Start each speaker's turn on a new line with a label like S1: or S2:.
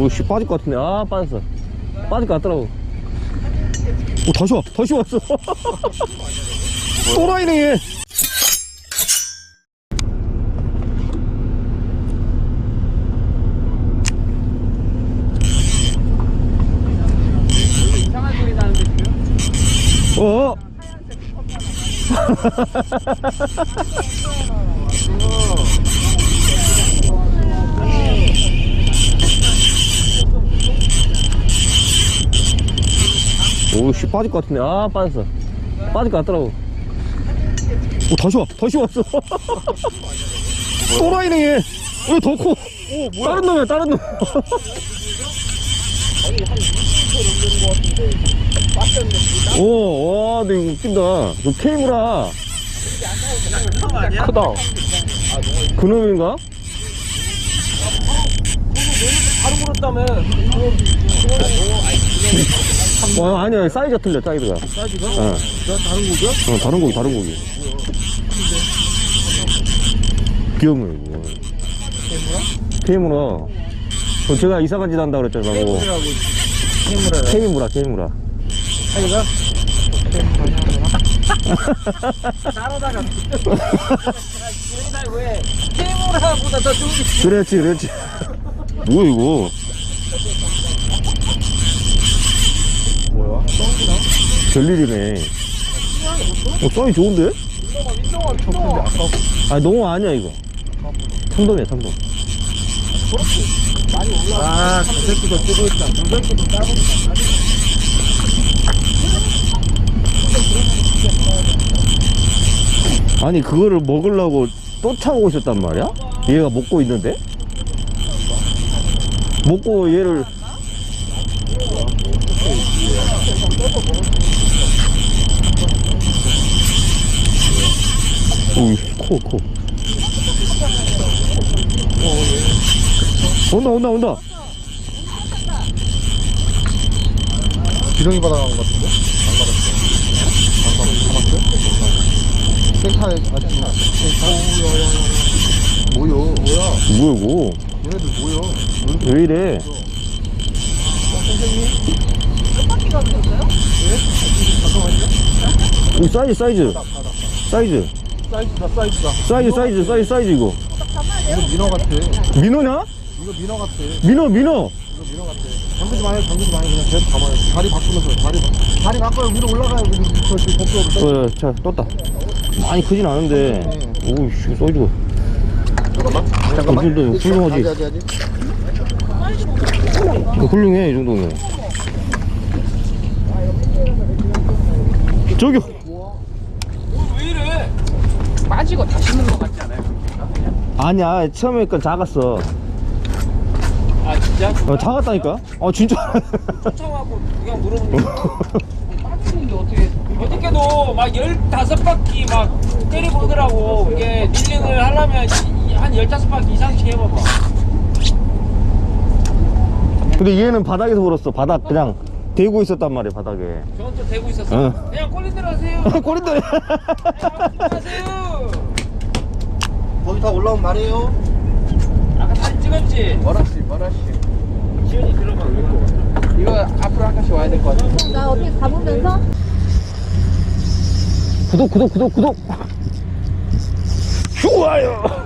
S1: 오씨 빠질 것 같은데. 아 빠졌어. 빠질 것 같더라고. 오 다시 와. 다시 왔어. 또라이네 얘.
S2: 이상한 소리 나는데 지금?
S1: 어? 오씨 빠질 것 같은데. 아 빠졌어. 빠질 것 같더라고. 오 다시 와. 다시 왔어. 또라이네 얘. 왜 더 커?
S2: 오 뭐야?
S1: 다른 놈이야 다른 놈.
S2: 아니 한 20kg 넘는 거 같은데 빠졌네.
S1: 오, 와, 근데 이거 웃긴다. 저 케이무라. 크다. 그놈인가?
S2: 바로 물었다며.
S1: 아니야, 사이즈가 틀려, 사이즈가.
S2: 사이즈가?
S1: 어.
S2: 다른 거죠?
S1: 다른 고기, 다른 고기. 귀엽네, 이거. 케이무라? 제가 이사간 짓 한다고 그랬잖아, 뭐. 케이무라, 케이무라.
S2: 사이즈가? 따라다가 왜 케이무라보다 더 좋은 게
S1: 그렇지, 그렇지. 뭐야, 이거?
S2: 뭐야?
S1: 별일이네. 사이즈 좋은데?
S2: 민동아
S1: 아니, 농어 아니야, 이거. 참돔이야, 참돔.
S2: 많이 올라. 저 새끼도 뜨고 있다. 저 새끼도 따보니까
S1: 아니, 그거를 먹으려고 쫓아오고 있었단 말이야? 얘가 먹고 있는데? 먹고 얘를. 오이, 커. 온다, 온다.
S2: 지렁이 바다 간것 같은데? 안 가봤어. 생카에 아침에 뭐야?
S1: 뭐야, 이거?
S2: 얘네들 뭐야?
S1: 왜 이래?
S2: 선생님? 끝바퀴가 오셨어요? 네? 잠깐만요.
S1: 오, 사이즈. 사이즈, 이거.
S2: 이거 민어 같아.
S1: 민어냐?
S2: 이거 민어 같아.
S1: 민어.
S2: 이거 민어 같아. 잠그지 마요. 그냥 계속 감아요. 다리 바꾸면서 다리 바꿔요. 위로 올라가요. 저기 복도로.
S1: 자, 떴다. 많이 크진 않은데. 오우, 씨, 사이즈가.
S2: 잠깐만.
S1: 이 정도 훌륭하지. 훌륭해, 이 정도면. 저기요.
S2: 왜 이래? 빠지고 다시 넣는 거 같지 않아요?
S1: 아니야, 처음에 건 작았어.
S2: 아 진짜?
S1: 작았다니까? 진짜.
S2: 쫓아가고 그냥 물어보는 거 빠지는데 어떻게도 막 15바퀴 막 때려보더라고. 이게 릴링을 하려면 한 15바퀴 이상씩 해봐봐.
S1: 근데 얘는 바닥에서 불었어. 바닥 그냥 대고 있었단 말이야, 바닥에.
S2: 저건 좀 대고 있었어.
S1: 응.
S2: 그냥 꼴린대로 하세요.
S1: 꼬린다.
S2: 하세요.
S3: 거기 다 올라오면 말해요.
S2: 아까 사진 찍었지?
S3: 머라씨.
S2: 지현이 들어가.
S3: 이거 앞으로 한 칸씩 와야 될 것 같아.
S4: 나 어떻게 가보면서?
S1: 구독. 좋아요.